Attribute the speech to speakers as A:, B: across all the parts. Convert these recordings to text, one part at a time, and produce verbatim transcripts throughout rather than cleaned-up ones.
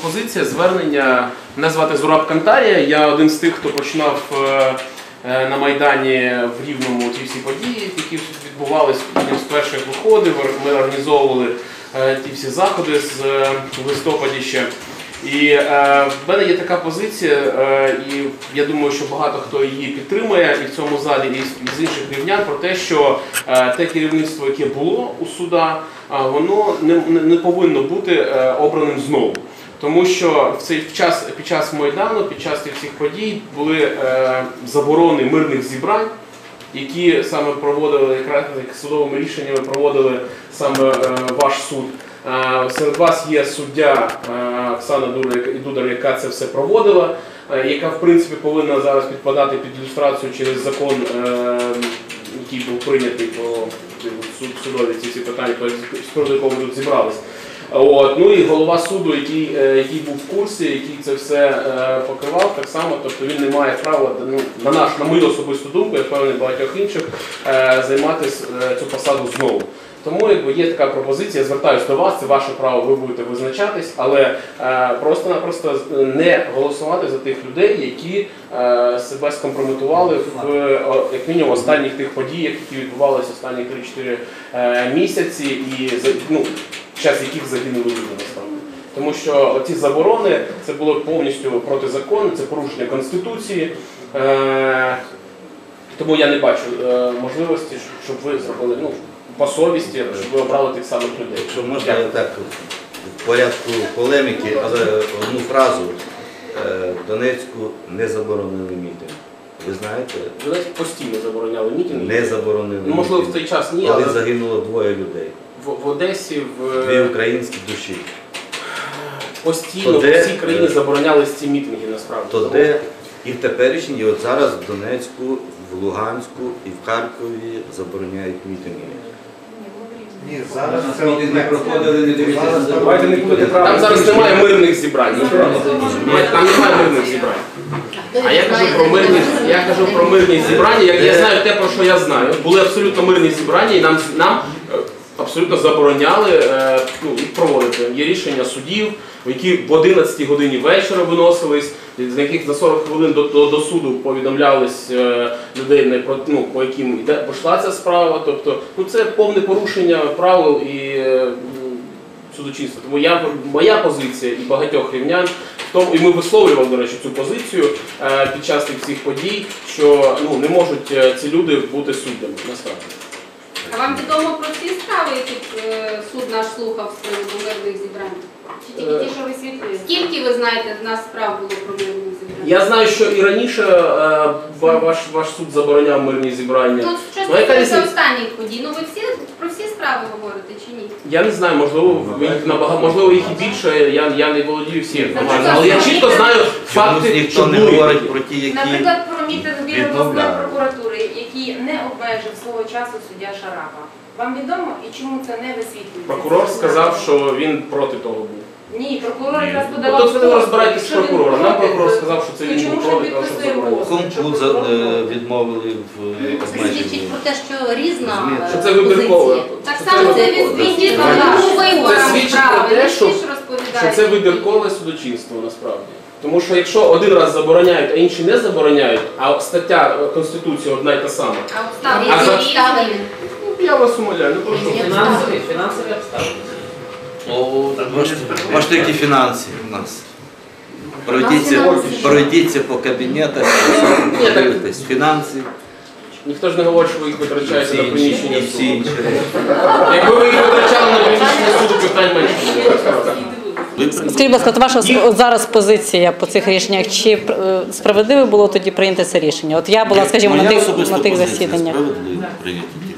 A: пропозиція, звернення. Мене звати Зураб Кантарія, я один з тих, хто починав на Майдані в Рівному ті всі події, які відбувалися, одним з перших виходів, ми організовували ті всі заходи з листопаді ще. І е, в мене є така позиція, е, і я думаю, що багато хто її підтримує і в цьому залі, і з інших рівнян, про те, що е, те керівництво, яке було у суда, е, воно не, не повинно бути е, обраним знову. Тому що в цей час, під час Майдану, під час цих всіх подій були е, заборони мирних зібрань, які саме проводили, якраз судовими рішеннями проводили саме е, ваш суд. Серед вас є суддя Оксана Дудар, яка це все проводила, яка в принципі повинна зараз підпадати під ілюстрацію через закон, який був прийнятий по судові ці всі питання, з приводу якого ми тут зібралися. От. Ну і голова суду, який, який був в курсі, який це все покривав, так само, тобто він не має права, ну, на, наш, на мою особисту думку, я впевнений багатьох інших, займати цю посаду знову. Тому якби, є така пропозиція, я звертаюся до вас, це ваше право, ви будете визначатись, але е, просто-напросто не голосувати за тих людей, які е, себе скомпрометували в, як мінімум, останніх тих подіях, які відбувалися останні три-чотири е, місяці, і ну, час яких загинули люди насправді. Тому що ці заборони, це було повністю протизаконно, це порушення Конституції. Е, тому я не бачу е, можливості, щоб ви зробили, ну, по совісті, щоб ви обрали тих самих людей.
B: Якщо можна, я так в порядку полеміки, але одну фразу. В Донецьку не заборонили мітинг. Ви знаєте?
A: В Донецьку постійно забороняли мітинги.
B: Не заборонили
A: ну, можливо, в цей час ні,
B: коли
A: але...
B: загинуло двоє людей.
A: В, в Одесі, в...
B: Дві українські душі.
A: Постійно то в
B: де...
A: всій країні заборонялись ці мітинги, насправді.
B: То де і в теперішній, і от зараз в Донецьку, в Луганську і в Харкові забороняють мітинги.
C: Ні, зараз це не проходили, не дивіться.
A: Давайте не будете правильно. Там зараз немає мирних зібрань. Там немає мирних зібрань. А я кажу про мирні, я кажу про мирні зібрання, як я знаю те, про що я знаю. Були абсолютно мирні зібрання, і нам, нам абсолютно забороняли ну, їх проводити. Є рішення судів, які в одинадцятій годині вечора виносились, з яких за сорок хвилин до, до, до суду повідомлялись е, людей, ну, по яким йде, пішла ця справа. Тобто, ну, це повне порушення правил і е, судочинства. Тому я, моя позиція і багатьох рівнян, в тому, і ми висловлювали, до речі, цю позицію е, під час цих всіх подій, що ну, не можуть ці люди бути суддями, насправді.
D: А вам відомо про ці справи, які е, суд наш слухав з приводу мирних зібрань? Чи тільки ті, що ви свідкуєте? Скільки, ви знаєте, в нас справ було про мирні зібрання?
A: Я знаю, що і раніше е, ваш, ваш суд забороняв мирні зібрання.
D: Тут що
A: ну,
D: стосується останніх подій. Ну ви всі про всі справи говорите чи ні?
A: Я не знаю, можливо, їх, набагато, можливо їх і більше, я, я не володію всім інформацією. Але я чітко знаю факти,
B: ніхто
A: що
B: не говорить про ті, які...
D: Наприклад, про мітинг біля обласної прокуратури, який не обмежив свого часу суддя Шарапа. Вам відомо і чому це не висвітлюється?
A: Прокурор сказав, що він проти того був.
D: Ні, прокурор якраз подавав.
A: Тобто ви розбираєтесь з прокурором. Нам прокурор сказав, що це він був проти того, що заборонено.
B: Кому відмовили в обмеженні?
E: Свідчить про те, що різна
A: що це вибіркове.
D: Так само це відсвітлює
A: Це свідчить про те, що, що це вибіркове судочинство насправді. Тому що якщо один раз забороняють, а інші не забороняють, а стаття Конституції одна й та сама.
D: А обставини?
A: Ну, я вас умоляю, ну прошу.
F: Фінансові, фінансові обставини.
B: О, бачите, які фінанси у нас. Пройдіться, пройдіться по кабінетах, подивитесь фінанси.
A: Ніхто ж не говорить, що ви їх витрачаєте на приміщення
B: суду. Всі інші.
A: Якби ви їх витрачали на приміщення суду, питань менше.
G: Скажіть, будь ласка, от ваша от зараз позиція по цих рішеннях, чи е, справедливо було тоді прийняти це рішення? От я була, скажімо, на тих, на тих засіданнях.
B: Справедливо прийняти ті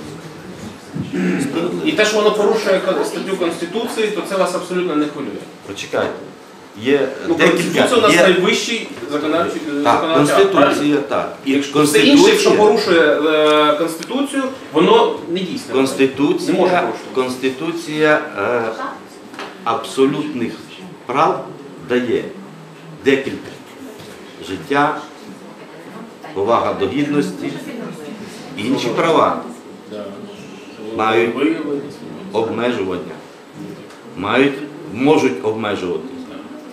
B: рішення.
A: І те, що воно порушує статтю Конституції, то це вас абсолютно не хвилює.
B: Почекайте. Є
A: ну,
B: декілька.
A: Конституція у нас
B: є...
A: найвищий законодавчий
B: Так, Конституція, так.
A: І все інше, якщо порушує е, Конституцію, воно не дійсне.
B: Конституція,
A: не може порушувати.
B: Конституція е, абсолютних прав дає декілька. Життя, повага до гідності, інші права мають обмежування, мають, можуть обмежувати.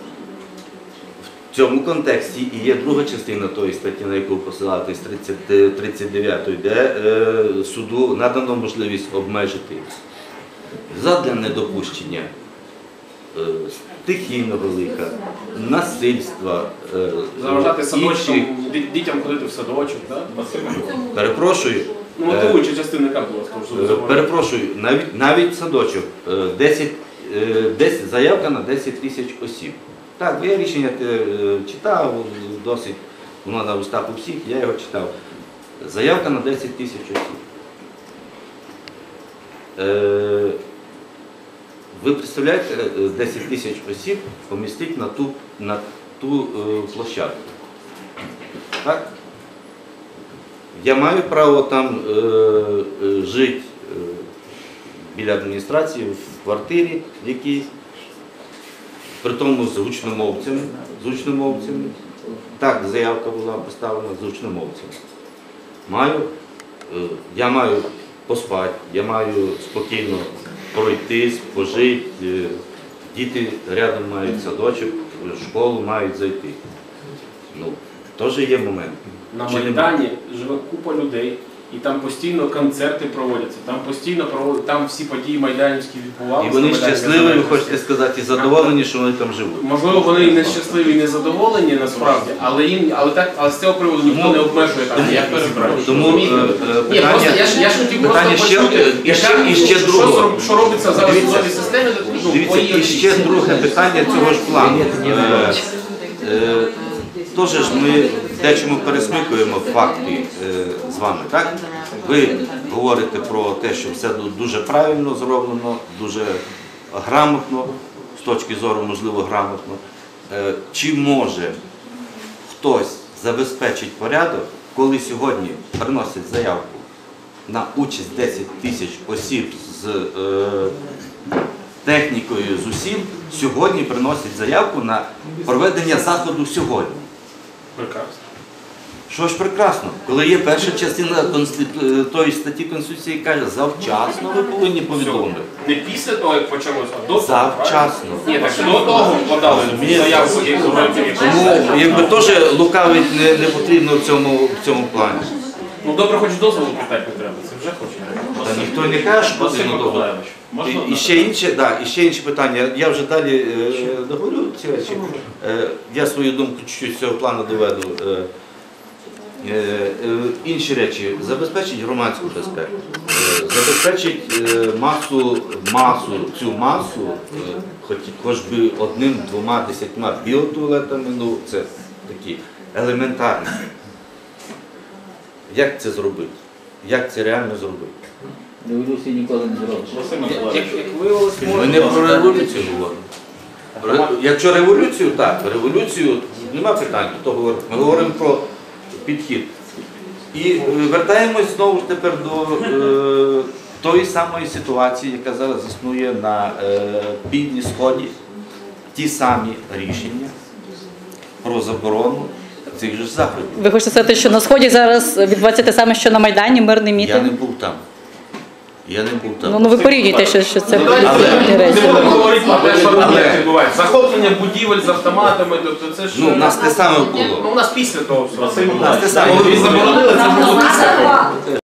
B: В цьому контексті і є друга частина тої статті, на яку посилатись тридцять, тридцять дев'ятої, де е, суду надано можливість обмежити задля недопущення е, стихійного лиха, насильства, е,
A: Заважати
B: інших-
A: садочкам, ді- дітям ходити в садочок, так?
B: Перепрошую.
A: Ну, мотивуюча частина яка була, тому
B: Е,
A: що
B: Перепрошую, навіть, навіть садочок, е, десять, е, десять, заявка на десять тисяч осіб. Так, я рішення е, читав, досить, воно на устах у всіх, я його читав. Заявка на десять тисяч осіб. Е, Ви представляєте, е, десять тисяч осіб помістити на ту, на ту е, площадку. Так? Я маю право там е, е, жити е, біля адміністрації, в квартирі якійсь, при тому з гучномовцями, з гучномовцями. Так, заявка була поставлена з гучномовцями. Маю, е, я маю поспати, я маю спокійно пройтись, пожити, е, діти рядом мають садочок, в школу мають зайти. Ну, теж є момент.
A: на
B: Чи нема?
A: Майдані живе купа людей, і там постійно концерти проводяться, там постійно проводять, там всі події майданівські відбувалися.
B: І вони
A: на Майдані
B: щасливі, ви
A: Незалежності.
B: хочете сказати, і задоволені, що вони там живуть.
A: Можливо, вони і не щасливі, і не задоволені насправді, але їм, але так, але з цього приводу ніхто
B: Тому-
A: не обмежує там ніяк зібрання.
B: Тому
A: Розумієте?
B: е, е,
A: Ні, просто я
B: питання,
A: ж я ж хотів
B: питання
A: просто
B: ще,
A: почути,
B: е, і ще, і ще
A: що,
B: другого.
A: зроб- що робиться зараз в
B: Дивіться,
A: судовій системі, ну,
B: Дивіться,
A: по її
B: і ще
A: оцінці.
B: друге питання цього ж плану. Е, е, Тож ж ми дечому пересмикуємо факти е, з вами, так? Ви говорите про те, що все дуже правильно зроблено, дуже грамотно, з точки зору, можливо, грамотно. Е, Чи може хтось забезпечить порядок, коли сьогодні приносять заявку на участь десять тисяч осіб з е, технікою, з усім, сьогодні приносять заявку на проведення заходу сьогодні?
A: Прекрасно.
B: Що ж прекрасно, коли є перша частина конститу... тої статті Конституції, яка каже, завчасно ви повинні повідомити.
A: Не після того, як почалося, а до того.
B: Завчасно.
A: Ні, так до того подали заявку, як зробити.
B: Тому якби теж лукавить не, не потрібно в цьому, в цьому плані.
A: Ну добре, хоч дозволу питати не треба, це вже хоче.
B: Та ніхто не каже, що
A: Василь
B: потрібно довго.
A: Миколаївич, можна
B: І, і, ще інше, да, і ще інші питання. Я вже далі е, договорю ці речі. Е, я свою думку чуть-чуть з цього плану доведу. Е, е, е, інші речі. Забезпечить громадську безпеку. Е, забезпечить е, масу, масу, цю масу, е, хоч, хоч би одним, двома, десятьма біотуалетами, ну це такі елементарні. Як це зробити? Як це реально зробити?
F: Революції ніколи не зробиш.
A: Василь Миколаївич, як, як виявилось,
B: Ми не про революцію говоримо. Ре- Якщо революцію, так, революцію нема питань, хто говорить. Ми говоримо про підхід. І е, вертаємось знову ж тепер до е, тої самої ситуації, яка зараз існує на е, півдні сході. Ті самі рішення про заборону цих же заходів.
G: Ви хочете сказати, що на Сході зараз відбувається те саме, що на Майдані, мирний
B: Я
G: мітинг?
B: не був там. Я не був там.
G: Ну, ну ви порівнюєте, що, що це
A: Ну, давайте
G: різні
A: не
G: речі.
A: будемо говорити про те, що
B: Але-
A: там відбувається. Захоплення будівель з автоматами, тобто це ж...
B: Ну, у нас те саме було.
A: Ну, у нас після того всього.
B: У нас те саме
A: Коли
B: було.
A: заборонили, це було після того.